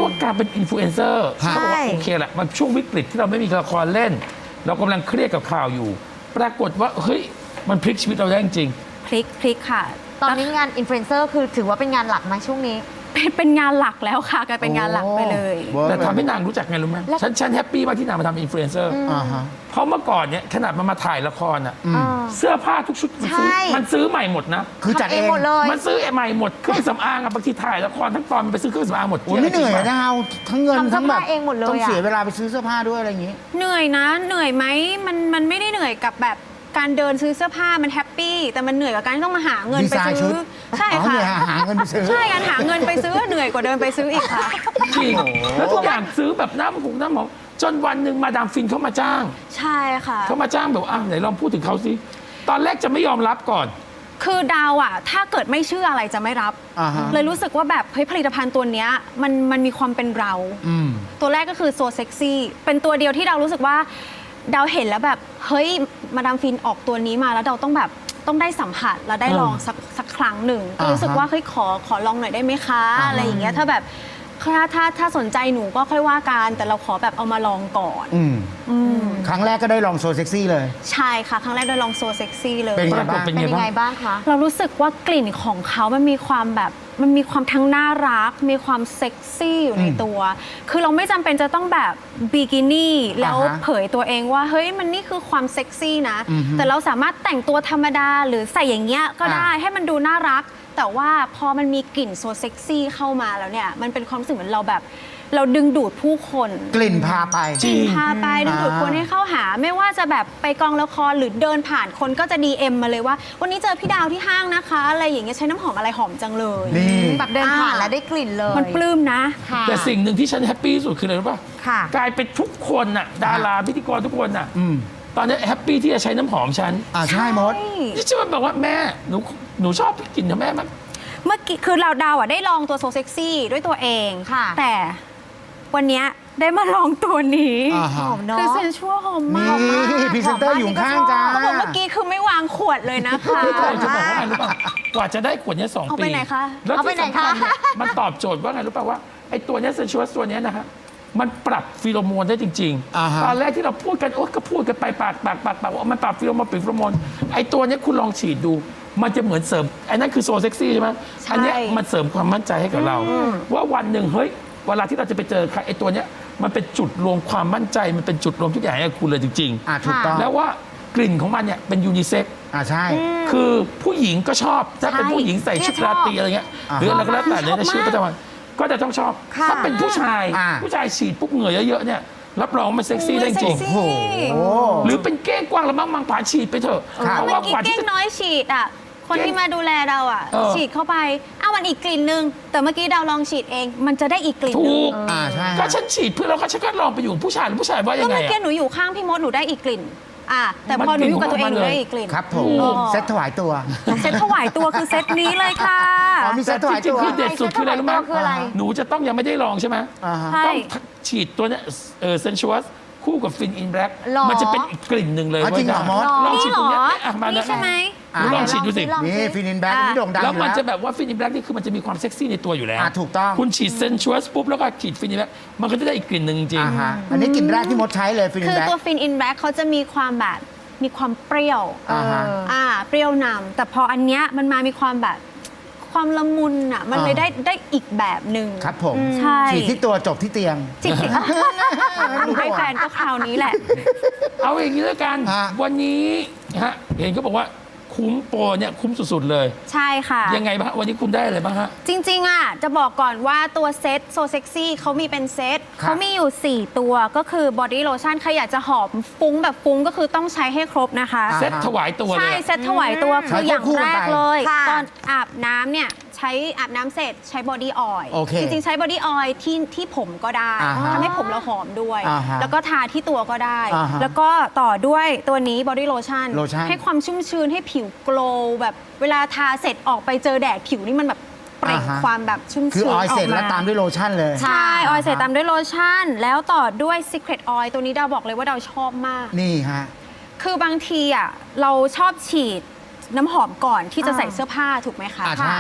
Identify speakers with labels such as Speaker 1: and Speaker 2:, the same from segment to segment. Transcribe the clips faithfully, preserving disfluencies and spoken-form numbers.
Speaker 1: ว่าการเป็นอินฟลูเอนเซอร์เขาบอกว่าโอเคแหละมันช่วงวิกฤตที่เราไม่มีละครเล่น เรากำลังเครียดกับข่าวอยู่ ปรากฏว่าเฮ้ยมันพลิกชีวิตเราได้จริง
Speaker 2: พลิกพลิกค่ะ
Speaker 3: ตอนนี้งานอินฟลูเอนเซอร์คือถือว่าเป็นงานหลักไหมช่วงนี้
Speaker 2: เป็นเป็นงานหลักแล้วค่ะกลายเป็นงานหลักไปเลย
Speaker 4: โอ้
Speaker 1: แต่ทำให้นางรู้จักไงรู้ไหมฉันฉันแฮปปี้มากที่นางมาทำอินฟลูเอนเซอร์
Speaker 4: อ่าฮะ
Speaker 1: เพราะเมื่อก่อนเนี่ยขนาดมันมาถ่ายละครอ่ะ
Speaker 3: เออ
Speaker 1: เสื้อผ้าทุกชุดมันซื้อ
Speaker 3: ใช่
Speaker 1: มันซื้อใหม่หมดนะ
Speaker 4: คือจัด
Speaker 3: ทำเอ
Speaker 4: เองง
Speaker 3: หมดเลย
Speaker 1: มันซื้อใหม่หมดเครื่องสำอางอะบางทีถ่ายละครทั้งตอนมันไปซื้อเครื่องสำอางหมด
Speaker 4: โอ้ยไม่เหนื่อยนะเอาทั้งเงิน
Speaker 3: ทำเสื้อ
Speaker 4: ทั้งแบบ
Speaker 3: ผ้าเองหมดเลยอะ
Speaker 4: ต้องเสียเวลาไปซื้อเสื้อผ้าด้วยอะไรอย่างงี้
Speaker 2: เหนื่อยนะเหนื่อยไหมมันมันไม่ได้เหนื่อยกับแบบการเดินซื้อเสื้อผ้ามันแฮปปี้แต่มันเหนื่อยกับการที่ต้องมาหาเงินไป
Speaker 4: ดีไซน์ชุ
Speaker 2: ซื้
Speaker 4: ด
Speaker 2: อใช่
Speaker 4: อ๋อ
Speaker 2: ค่ะ
Speaker 4: เนี่ยหาเงินไปซื้อ
Speaker 2: ใช่การหาเงินไปซื้อเหนื่อยกว่าเดินไปซื้ออีกค่ะ
Speaker 1: จริงแล้วทุกอย่างซื้อแบบน้ำหงน้ำหอมจนวันหนึ่งมาดามฟินเขามาจ้าง
Speaker 2: ใช่ค่ะ
Speaker 1: เขามาจ้างแบบอ่ะไหนลองพูดถึงเขาสิตอนแรกจะไม่ยอมรับก่อน
Speaker 2: คือดาวอ่ะถ้าเกิดไม่เชื่ออะไรจะไม่รับ
Speaker 4: อ่าฮะ
Speaker 2: เลยรู้สึกว่าแบบเฮ้ยผลิตภัณฑ์ตัวเนี้ยมันมันมีความเป็นเรา
Speaker 4: อืม
Speaker 2: ตัวแรกก็คือโซเซ็กซี่เป็นตัวเดียวที่เรารู้สึกว่าดาวเห็นแล้วแบบเฮ้ยมาดามฟินออกตัวนี้มาแล้วเราต้องแบบต้องได้สัมผัสแล้วได้ลองสักสักครั้งหนึ่งก็รู้สึกว่าเฮ้ยขอขอลองหน่อยได้ไหมคะ
Speaker 4: อ่าฮะ
Speaker 2: อะไรอย่างเงี้ยถ้าแบบถ้าถ้าถ้าสนใจหนูก็ค่อยว่ากันแต่เราขอแบบเอามาลองก่อน
Speaker 4: อืม
Speaker 2: อืม
Speaker 4: ครั้งแรกก็ได้ลองโซเซ็กซี่เลย
Speaker 2: ใช่ค่ะครั้งแรกได้ลองโซเซ็กซี่เลย
Speaker 4: เป็น
Speaker 1: ป
Speaker 4: ไง
Speaker 1: รากฏ
Speaker 4: บ้าง
Speaker 1: เป็น
Speaker 3: เป็น
Speaker 1: ไง
Speaker 3: ยัง
Speaker 1: บ้า
Speaker 3: ไง
Speaker 1: ง
Speaker 3: บ้างคะ
Speaker 2: เรารู้สึกว่ากลิ่นของเขามันมีความแบบมันมีความทั้งน่ารัก มีความเซ็กซี่อยู่ในตัว คือเราไม่จำเป็นจะต้องแบบบิกินี่แล้ว
Speaker 4: อ่าฮะ
Speaker 2: เผยตัวเองว่าเฮ้ยมันนี่คือความเซ็กซี่นะ
Speaker 4: อือฮึ
Speaker 2: แต่เราสามารถแต่งตัวธรรมดาหรือใส่อย่างเงี้ยก็ได้
Speaker 4: อ่า
Speaker 2: ให้มันดูน่ารัก แต่ว่าพอมันมีกลิ่นโซเซ็กซี่เข้ามาแล้วเนี่ยมันเป็นความรู้สึกเหมือนเราแบบ เราดึงดูดผู้คน
Speaker 4: กลิ่นพาไป
Speaker 1: จริง
Speaker 2: พาไปดึงดูดคนให้เข้าหา ไม่ว่าจะแบบไปกองละครหรือเดินผ่านคนก็จะ ดี เอ็ม มาเลยว่า วันนี้เจอพี่ดาวที่ห้างนะคะอะไรอย่างเงี้ยใช้น้ำหอมอะไรหอมจังเลย
Speaker 4: นี่
Speaker 3: แบบเดินผ่านแล้วได้กลิ่นเลย
Speaker 2: มันปลื้มนะ
Speaker 3: ค่ะ
Speaker 1: แต่สิ่งหนึ่งที่ฉันแฮปปี้ที่สุดคืออะไรรู้ป่ะ
Speaker 3: ค่ะ
Speaker 1: กลายเป็นทุกคนน่ะดาราพิธีกรทุกคนน่ะ
Speaker 4: อืม
Speaker 1: ตอนนี้แฮปปี้ที่จะใช้น้ำหอมฉัน
Speaker 4: อ่าใช่มด
Speaker 1: ที่ฉันบอกว่าแม่หนูหนูชอบกลิ่นของแม่มั้ย
Speaker 2: เมื่อกี้คือเราดาวอ่ะได้ลองตัวโซเซ็กซี่ด้วยตัวเอง
Speaker 3: ค่ะ
Speaker 2: แต่วันเนี้ยได้มาลองตัวนี้
Speaker 4: อ่า
Speaker 3: ห
Speaker 4: ฮะ
Speaker 3: อมเนาะ
Speaker 2: คือเซนชัวหอมมาก
Speaker 4: นี่พรีเซนเตอร์อยู่ข้างจ้า
Speaker 2: เขาบอกเมื่อกี้คือไม่วางขวดเลยนะคะ
Speaker 1: ไม่ใช่จะบอกว่าไงรู้ป่ะกว่าจะได้ขวดเนี้ยสอง
Speaker 2: เอา
Speaker 1: ปี
Speaker 2: ไปไหนคะ
Speaker 1: แล้ว
Speaker 3: เอาไป
Speaker 1: ที่
Speaker 3: ไหน
Speaker 1: สำคัญ
Speaker 3: คะ
Speaker 1: เนี่ยมันตอบโจทย์ว่าไงรู้ป่ะว่าไอ้ตัวเนี้เซนชัวสตัวเนี้ยนะฮะมันปรับฟีโรโมนได้จริง
Speaker 4: อ่าฮะ
Speaker 1: ๆตอนแรกที่เราพูดกันโอ๊ยก็พูดกันไปปากปากปากปากว่ามันปรับฟีโรโมนปรับฟีโรโมนไอ้ตัวเนี้ยคุณลองฉีดดู มันจะเหมือนเสริมไอ้นั่นคือโซเซ็กซี่ใช่ไหม
Speaker 2: ใช่
Speaker 1: อันเนี้ยมันเสริมความมั่นใจให้กับเรา ว่าวันหนึ่งเฮ้ยเวลาที่เราจะไปเจอใครไอ้ตัวเนี้ยมันเป็นจุดรวมความมั่นใจมันเป็นจุดรวมทุกอย่างให้กับคุณเลยจริง
Speaker 4: อ่าถูกต้อง
Speaker 1: ๆ แล้วว่ากลิ่นของมันเนี่ยเป็นยูนิเซ็ก
Speaker 4: อ่าใช่
Speaker 1: คือผู้หญิงก็ชอบ ถ้าเป็น
Speaker 2: ใช่
Speaker 1: ผู้หญิงใส่ชุดราตรีอะไรเงี้ย
Speaker 4: อ่า
Speaker 1: หรืออะไรก็แล้วแต่ใน
Speaker 2: ชอบมาก
Speaker 1: ชีวิตประจำวันก็จะต้องชอบ
Speaker 3: ค่ะ
Speaker 1: ถ้าเป็นผู้ชาย
Speaker 4: อ่า
Speaker 1: ผู้ชายฉีดปุ๊บเหงื่อเยอะๆเนี่ยรับรองมันเซ็กซี่ได้จริง
Speaker 2: เซ็ก
Speaker 4: โอ้
Speaker 2: ซี่
Speaker 4: โห
Speaker 1: หรือเป็นเก้งกวางแล้วมั่งมังผาฉีดไปเถอะ
Speaker 4: ครับ
Speaker 1: เพราะ
Speaker 2: เมื่
Speaker 1: ว่า
Speaker 2: อกี้
Speaker 1: กว่า
Speaker 2: เก้
Speaker 1: ที่
Speaker 2: ง
Speaker 1: จะ
Speaker 2: น้อยฉีดอ่ะ คนที่มาดูแลเราอ่ะ
Speaker 1: เออ
Speaker 2: ฉีดเข้าไปอ้าวมันอีกกลิ่นนึง แต่เมื่อกี้ดาวลองฉีดเอง มันจะได้อีกกลิ่นนึ
Speaker 1: ถู
Speaker 2: ง
Speaker 1: ก
Speaker 4: อ่าใช่
Speaker 1: ก็ฉันฉีดเพื่อเราก็ฉันก็ลองไปอยู่กับผู้ชายหรือผู้ชายว่ายั
Speaker 2: ก็
Speaker 1: งไง
Speaker 2: เมื่อกี้
Speaker 1: อะ
Speaker 2: หนูอยู่ข้างพี่มดหนูได้อีกกลิ่น อ่ะแต่พอหนูอยู่กับตัวเองหนูได้อีกกลิ่น
Speaker 4: ครับผม
Speaker 2: อ๋อ
Speaker 4: เซ็ตถวายตัว
Speaker 2: เซ็ตถวายตัวคือเซ็ตนี้เลยค่ะ
Speaker 4: อ๋อมีเซ็
Speaker 1: แต่
Speaker 4: ตถวาย
Speaker 1: จริ
Speaker 4: ตั
Speaker 1: ง
Speaker 4: ว
Speaker 1: ๆคือเด็ดสุดคืออะไรรู้ไหม
Speaker 3: คืออะไร
Speaker 1: หนูจะต้องยังไม่ได้ลองใช่ไหม
Speaker 4: อ่าฮะ
Speaker 2: ใช่
Speaker 1: ต้องฉีดตัวเนี้ยเออเซนชัวสคู่กับฟินอินแบล็ก
Speaker 3: หรอ
Speaker 1: มันจะเป็นอีกกลิ่นหนึ่งเลย
Speaker 4: อ๋อจริงเหรอ
Speaker 1: ว้ย
Speaker 4: มด
Speaker 1: ลอง
Speaker 2: นี่
Speaker 1: ฉีด
Speaker 2: เหร
Speaker 1: ตรง
Speaker 2: อ
Speaker 1: เนี้ยอ่ะมา
Speaker 2: นี่
Speaker 1: นะ
Speaker 2: ใช่ไหม
Speaker 4: อ่า
Speaker 1: ลองฉีดดูสิ
Speaker 3: ลองสิ
Speaker 4: นี่ฟินินแบ็กนี่โด่งดัง
Speaker 1: แล้ว
Speaker 4: อยู่
Speaker 1: มัน
Speaker 4: แล้ว
Speaker 1: จะแบบว่าฟินอินแบล็กนี่คือมันจะมีความเซ็กซี่ในตัวอยู่แล้ว
Speaker 4: อ่ะถูกต้อง
Speaker 1: คุณฉีดเซนชัวสปุ๊บแล้วก็ฉีดฟินอินแบล็กมันก็จะได้อีกกลิ่นหนึ่งจริง
Speaker 4: อ่าฮะอันนี้กลิ่นแรกที่มดใช้เลยฟินิน
Speaker 2: คือ
Speaker 4: แบ็ก
Speaker 2: ตัวฟินอินแบ็กเขาจะมีความแบบมีความเปรี้ยว
Speaker 4: อ่าฮะ
Speaker 2: อ่าเปรี้ยวนำแต่พออันเนี้ยมันมามีความแบบความละมุนอ่ะมันเลย
Speaker 4: อ่า
Speaker 2: ได้ได้อีกแบบหนึ่ง
Speaker 4: ครับผม
Speaker 2: ใช่
Speaker 4: ฉีดที่ตัวจบที่เตียง
Speaker 2: จิตติหนูให้แฟนก็คราวนี้แหละ
Speaker 1: เอาอย่างนี้แล้วกัน
Speaker 4: ฮะ
Speaker 1: วันนี้ฮะเห็นเขาบอกว่าคุ้มโปรเนี่ยคุ้มสุดๆเลย
Speaker 2: ใช่ค่ะ
Speaker 1: ยังไงบ้างวันนี้คุณได้อะไรบ้างฮะ
Speaker 2: จริงๆอ่ะจะบอกก่อนว่าตัวเซตโซเซ็กซี่เขามีเป็นเซต
Speaker 4: ครับ
Speaker 2: เขามีอยู่ สี่ ตัวก็คือบอดี้โลชั่นใครอยากจะหอมฟุ้งแบบฟุ้งก็คือต้องใช้ให้ครบนะคะ
Speaker 4: อ่า
Speaker 1: เซ็ตถวายตัวเล
Speaker 2: ใช่
Speaker 1: ย
Speaker 2: เซตถวายตัว
Speaker 4: ใช้
Speaker 2: คืออย่าง
Speaker 4: ควบคู่
Speaker 2: แร
Speaker 4: กัน
Speaker 2: ก
Speaker 4: ไป
Speaker 2: เลย
Speaker 3: ค่ะ
Speaker 2: ตอนอาบน้ำเนี่ยใช้อาบน้ำเสร็จใช้บอดี้ออยล์
Speaker 4: โอเค
Speaker 2: จริงๆ ใช้บอดี้ออยล์ที่ที่ผมก็ได้
Speaker 4: อ่าฮะ
Speaker 2: ทำให้ผมเราหอมด้วย
Speaker 4: อ่าฮะ
Speaker 2: แล้วก็ทาที่ตัวก็ได้
Speaker 4: อ่าฮะ
Speaker 2: แล้วก็ต่อด้วยตัวนี้บอดี้โลชั่น
Speaker 4: โลชั่น
Speaker 2: ให้ความชุ่มชื้นให้ผิวโกลว์แบบเวลาทาเสร็จออกไปเจอแดดผิวนี่มันแบบเปล่ง
Speaker 4: อ่าฮะ
Speaker 2: ความแบบชุ่ม
Speaker 4: คือ
Speaker 2: ชื้น
Speaker 4: ออยล์เสร็จ
Speaker 2: ก
Speaker 4: แล้วตามด้วยโลชั่นเลย
Speaker 2: ใช่ออยล์เสร็จตามด้วยโลชั่น แล้วต่อด้วย Secret Oil ตัวนี้ดาวบอกเลยว่าดาวชอบมาก
Speaker 4: นี่ฮะ
Speaker 2: คือบางทีอ่ะเราชอบฉีดน้ำหอมก่อนที่จะ
Speaker 3: อ่า
Speaker 2: ใส่เสื้อผ้าถูกไหมคะ
Speaker 4: อ่าใช่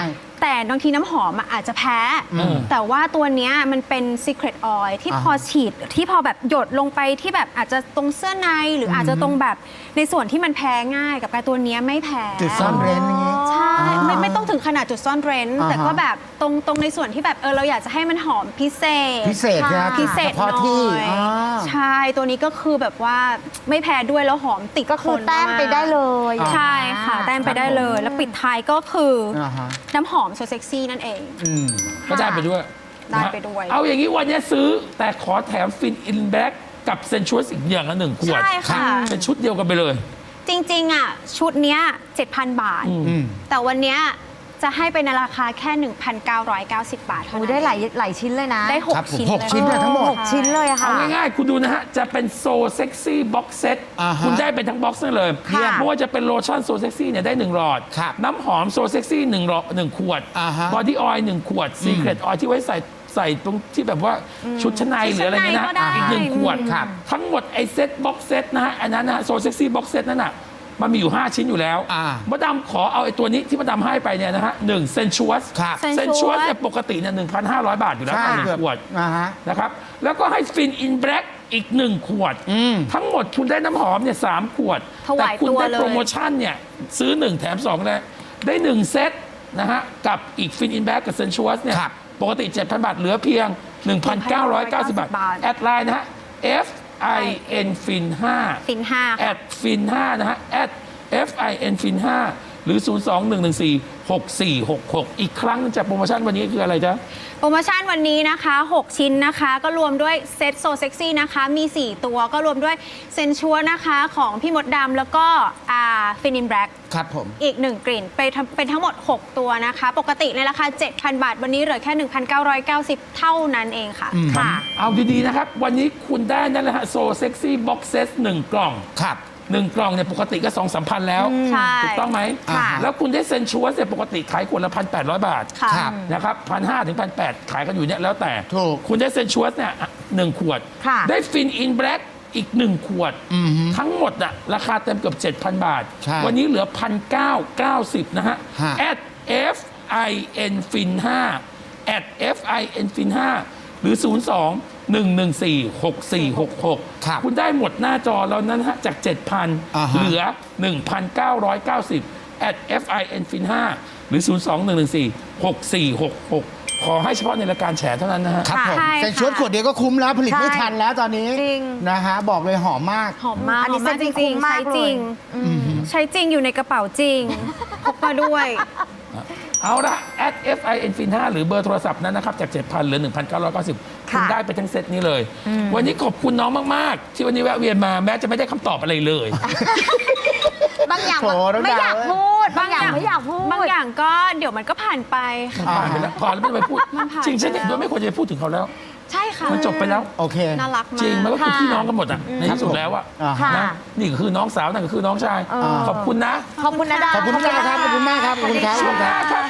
Speaker 2: แต่บางทีน้ำหอมอะอาจจะแพ้
Speaker 1: อืม
Speaker 2: แต่ว่าตัวเนี้ยมันเป็น secret oil ที่
Speaker 4: อ่า
Speaker 2: พอฉีดที่พอแบบหยดลงไปที่แบบอาจจะตรงเสื้อในหรืออาจจะตรงแบบในส่วนที่มันแพ้ง่ายกับการตัวเนี้ยไม่แพ้
Speaker 4: จุดซ่อนเร้นอย่างนี้
Speaker 2: ใช่
Speaker 4: อ่า
Speaker 2: ไม่ไม่ต้องถึงขนาดจุดซ่อนเร้น
Speaker 4: อ่าฮะ
Speaker 2: แต่ก็แบบตรงตรงในส่วนที่แบบเออเราอยากจะให้มันหอมพิเศษ
Speaker 4: พิเศษนะ
Speaker 2: พิเศษ
Speaker 4: ฉพาะที่
Speaker 2: หน่อย
Speaker 4: อ่า
Speaker 2: ใช่ตัวนี้ก็คือแบบว่าไม่แพ้ด้วยแล้วหอมติด
Speaker 3: ก็คือ
Speaker 2: ทน
Speaker 3: แต้มไปได้เลย
Speaker 2: ใช่ค่ะ แต้มไปได้เลย แล้วปิดท้ายก็คืออ
Speaker 4: อ่าฮะ
Speaker 2: น้ำหอมโซเซ็กซี่นั่นเอง
Speaker 4: อืม
Speaker 1: ก็ได้ไปด้วย
Speaker 2: ได้
Speaker 1: นะฮะ
Speaker 2: ไปด้วย
Speaker 1: เอาอย่างนี้วันนี้ซื้อแต่ขอแถมฟินอินแบ็กกับเซนชวสอีกอย่างละหนึ่งขวด
Speaker 2: ใช่ค่ะ
Speaker 1: เป็นชุดเดียวกันไปเลย
Speaker 2: จริง ๆ อ่ะ ชุดเนี้ย เจ็ดพัน บาท
Speaker 4: อืม
Speaker 2: แต่วันเนี้ยจะให้เป็นในราคาแค่ หนึ่งพันเก้าร้อยเก้าสิบ บาทเท่า
Speaker 3: โอ้
Speaker 2: นั้น
Speaker 3: ได้หลายหลายชิ้นเลยนะ
Speaker 2: ได้
Speaker 4: ครับผม
Speaker 2: หกชิ้น
Speaker 4: หก
Speaker 2: เลย
Speaker 4: ชิ้นเนี่ยทั้งหมด
Speaker 3: หกชิ้นเลยอะค่ะ
Speaker 1: เอาง่ายๆ คุณดูนะฮะ จะเป็นโซเซ็กซี่บ็อกเซต
Speaker 4: อ่าฮะ
Speaker 1: คุณได้เป็นทั้งบ็อกซ์นั่นเลย
Speaker 3: ค่ะ
Speaker 1: ไม่ว่าจะเป็นโลชั่นโซเซ็กซี่เนี่ยได้หนึ่งหลอด
Speaker 4: ครับ
Speaker 1: น้ำหอมโซเซ็กซี่หนึ่งหลอดหนึ่งขวด
Speaker 4: อ่าฮะ
Speaker 1: บอดี้ออยล์หนึ่งขวดซีเครตออยล์ที่ไว้ใส่ใส่ตรงที่แบบว่าชุดชั้นในหรืออะไรเงี้ย
Speaker 2: ชุดชั้นในก็ได้
Speaker 1: นะอีกหนึ่งขวด
Speaker 4: ครับ
Speaker 1: ทั้งหมดไอเซตบ็อกเซตนะฮะอันนั้นนะโซเซ็กซี่บ็อกเซตนั่นน่ะมันมีอยู่ ห้า ชิ้นอยู่แล้ว
Speaker 4: อ่า
Speaker 1: มาดามขอเอาไอ้ตัวนี้ที่มาดามให้ไปเนี่ยนะฮะหนึ่งเซนชวส
Speaker 4: ครับ
Speaker 1: เซนชวสเนี่ยปกติเนี่ยหนึ่งพันห้าร้อยบาทอยู่แล้ว
Speaker 4: ใช่
Speaker 1: ต่อหนึ่ง
Speaker 4: เกือบ
Speaker 1: ขวด
Speaker 4: อ่าฮะ
Speaker 1: นะครับแล้วก็ให้ฟินอินแบล็กอีกหนึ่งขวด
Speaker 4: อืม
Speaker 1: ทั้งหมดคุณได้น้ำหอมเนี่ยสามขวด
Speaker 2: ถวาย
Speaker 1: แต่คุณ
Speaker 2: ตัว
Speaker 1: ได้
Speaker 2: เลย
Speaker 1: โปรโมชั่นเนี่ยซื้อหนึ่งแถมสองเลยได้หนึ่งเซตนะฮะกับอีกฟินอินแบล็กกับเซนชวสเนี่ย
Speaker 4: ครับ
Speaker 1: ปกติ เจ็ดพัน บาทเหลือเพียง หนึ่งพันเก้าร้อยเก้าสิบ บาท
Speaker 2: บาท
Speaker 1: แอดไลน์นะฮะ F I N Fin ห้า
Speaker 2: ฟินห้า
Speaker 1: แอ
Speaker 2: ค่ะ
Speaker 1: ดฟินห้านะฮะแอด F I N Fin ห้าหรือ ศูนย์ สอง หนึ่ง หนึ่ง สี่ หก สี่ หก หก อีกครั้งหนึ่งจากโปรโมชั่นวันนี้คืออะไรจ๊ะ
Speaker 2: โปรโมชั่นวันนี้นะคะ หก ชิ้นนะคะ ก็รวมด้วยเซตโซเซ็กซี่นะคะ มี สี่ ตัวก็รวมด้วยเซนชัวนะคะของพี่มดดำแล้วก็ฟินินแบล็ก
Speaker 4: ครับผม
Speaker 2: อีก หนึ่ง กลิ่นไปทำเป็นทั้งหมด หก ตัวนะคะ ปกติในราคา เจ็ดพัน บาท วันนี้เหลือแค่ หนึ่งพันเก้าร้อยเก้าสิบ เท่านั้นเองค่ะ
Speaker 4: อืม
Speaker 2: ค่ะ
Speaker 1: เอาดีๆนะครับ วันนี้คุณได้นั่นแหละฮะโซเซ็กซี่บ็อกเซตหนึ่งกล่อง
Speaker 4: ครับ
Speaker 1: หนึ่งกล่องเนี่ยปกติก็สองสามพันแล้ว
Speaker 2: ใช่
Speaker 1: ถูกต้องไหม
Speaker 4: ค่ะ
Speaker 1: แล้วคุณได้เซนชัวเนี่ยปกติขายขวดละพันแปดร้อยบาท
Speaker 2: ค่ะ
Speaker 4: ครับ
Speaker 1: นะครับพันห้าถึงพันแปดขายกันอยู่เนี่ยแล้วแต่
Speaker 4: ถูก
Speaker 1: คุณได้เซนชัวเนี่ยอ่ะหนึ่งขวด
Speaker 3: ค่ะ
Speaker 1: ได้ฟินอินแบล็กอีกหนึ่งขวด
Speaker 4: อือฮึ
Speaker 1: ทั้งหมดอะราคาเต็มเกือบ เจ็ดพัน บาท
Speaker 4: ใช่
Speaker 1: วันนี้เหลือ หนึ่งพันเก้าร้อยเก้าสิบ นะฮะ
Speaker 4: ฮะ
Speaker 1: at f i n fin ห้า at f i n fin ห้าหรือ ศูนย์ สอง หนึ่ง หนึ่ง สี่ หก สี่ หก หก
Speaker 4: ครับ
Speaker 1: คุณได้หมดหน้าจอแล้วนั้นฮะจาก เจ็ดพัน
Speaker 4: อ่าฮะ
Speaker 1: เหลือ หนึ่งพันเก้าร้อยเก้าสิบ at f i n fin ห้าหรือ ศูนย์ สอง หนึ่ง หนึ่ง สี่ หก สี่ หก หก ขอให้เฉพาะในรายการแฉเท่านั้นนะฮะ
Speaker 4: ครับผม
Speaker 2: ใช่
Speaker 4: เซ็นชุด
Speaker 2: ค่ะ
Speaker 4: ขวดเดียวก็คุ้มแล้วผลิตไม่
Speaker 3: ใช่
Speaker 4: ทันแล้วตอนนี้
Speaker 3: จริง
Speaker 4: นะฮะบอกเลยหอมมาก
Speaker 2: หอมมาก
Speaker 3: อันนี้
Speaker 2: หอมมาก
Speaker 3: เซ็
Speaker 2: จ
Speaker 3: นจริ
Speaker 2: ริ
Speaker 3: ง
Speaker 2: ง
Speaker 3: ๆ
Speaker 2: ๆ ใช้
Speaker 3: มากเลย
Speaker 2: จริง ใช้จริงอยู่ในกระเป๋าจริง พกมาด้วย
Speaker 1: เอาละ at f i n fin ห้าหรือเบอร์โทรศัพท์นั้นนะครับ จาก เจ็ดพันเหลือ หนึ่งพันเก้าร้อยเก้าสิบ คุณ
Speaker 3: ค่ะ
Speaker 1: ได้ไปทั้งเซตนี้เลย วันนี้ขอบคุณน้องมาก ๆ ที่วันนี้แวะเวียนมาแม้จะไม่ได้คำตอบอะไรเลย
Speaker 3: บางอย่าง
Speaker 4: โถน้อง
Speaker 3: ไม่อยาก
Speaker 4: ดาว
Speaker 3: พูด บางอย่างไม่อยากพูด
Speaker 2: บางอย่างก็เดี๋ยวมันก็ผ่านไป
Speaker 1: ผ่านไปแล้วพอแล้วไม่ต้องไปพูด
Speaker 2: มันผ่าน
Speaker 1: จริงฉัน
Speaker 2: ไป
Speaker 1: เห็น
Speaker 2: แล้ว
Speaker 1: ด้วยไม่ควรจะไปพูดถึงเขาแล้ว
Speaker 2: ใช่ค่ะ
Speaker 1: มันจบไปแล้ว
Speaker 4: โอเค
Speaker 2: น่ารักมาก
Speaker 1: จริงมันก็คือ
Speaker 3: ค่ะ
Speaker 1: พี่น้องกันหมดอ่ะในที่สุดแล้วอ่ะ
Speaker 4: อ่า
Speaker 3: ค่ะ
Speaker 1: นะนี่ก็คือน้องสาวนั่นก็คือน้องชาย
Speaker 3: เออ
Speaker 1: ขอบคุณนะ
Speaker 3: ขอบคุณนะดา
Speaker 4: ขอบคุณมากครับ ขอบคุณมากครับ ขอบคุณครับ
Speaker 1: ช่วงหน้าครับ